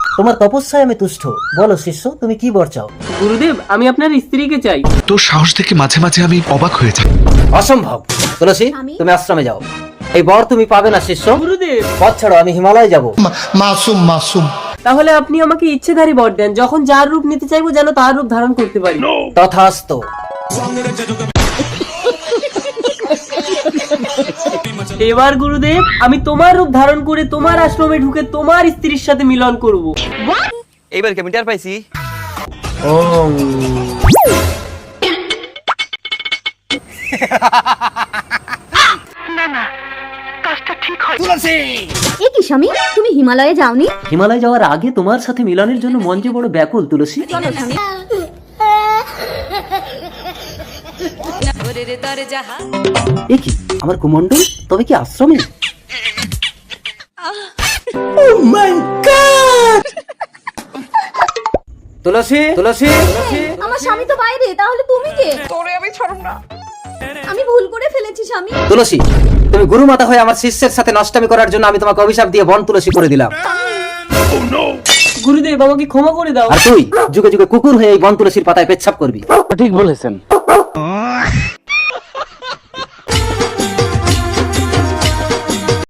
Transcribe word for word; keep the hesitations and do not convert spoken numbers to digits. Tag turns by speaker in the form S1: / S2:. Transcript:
S1: তোমার তপস্যায় আমি তুষ্ট। বলো শিষ্য, তুমি কি বর চাও?
S2: গুরুদেব, আমি আপনার স্ত্রীকে চাই।
S3: তোর সাহস দেখে মাঝে মাঝে আমি অবাক হয়ে যাই।
S1: অসম্ভব। তুলসী,
S4: আমি-
S1: তুমি আশ্রমে যাও। এই বর তুমি পাবে না শিষ্য।
S2: গুরুদেব,
S1: পথ ছাড়ো, আমি হিমালয় যাব।
S5: মাসুম মাসুম
S2: তাহলে আপনি আমাকে ইচ্ছেধারী বর দেন, যখন যার রূপ নিতে চাইবো যেন তার রূপ ধারণ করতে পারি।
S1: তথাস্তু।
S2: এবার গুরুদেব, আমি তোমার রূপ ধারণ করে তোমার আশ্রমে ঢুকে তোমার স্ত্রীর সাথে মিলন করব।
S6: এইবার কি আমি টের পাইছি?
S4: এ কি স্বামী, তুমি হিমালয়ে যাওনি?
S1: হিমালয় যাওয়ার আগে তোমার সাথে মিলনের জন্য মন যে বড় ব্যাকুল তুলসী।
S4: চলো স্বামী।
S1: এ কি আমার কুমন্ডল, তবে কি আশ্রমে? তুলসী, তুলসী, তুলসী।
S4: আমার স্বামী তো বাইরে, তাহলে তুমি কে? তোরে আমি ছাড়ব না। আমি ভুল করে ফেলেছি স্বামী।
S1: তুলসী, তুমি গুরু মাতা হয়ে আমার শিষ্যের সাথে নষ্টামি করার জন্য আমি তোমাকে অভিশাপ দিয়ে বন তুলসী করে দিলাম।
S2: গুরুদেব, আমাকে ক্ষমা করে দাও।
S1: আর তুই যুগে যুগে কুকুর হয়ে এই বন তুলসীর পাতায় পেচ্ছাপ করবি।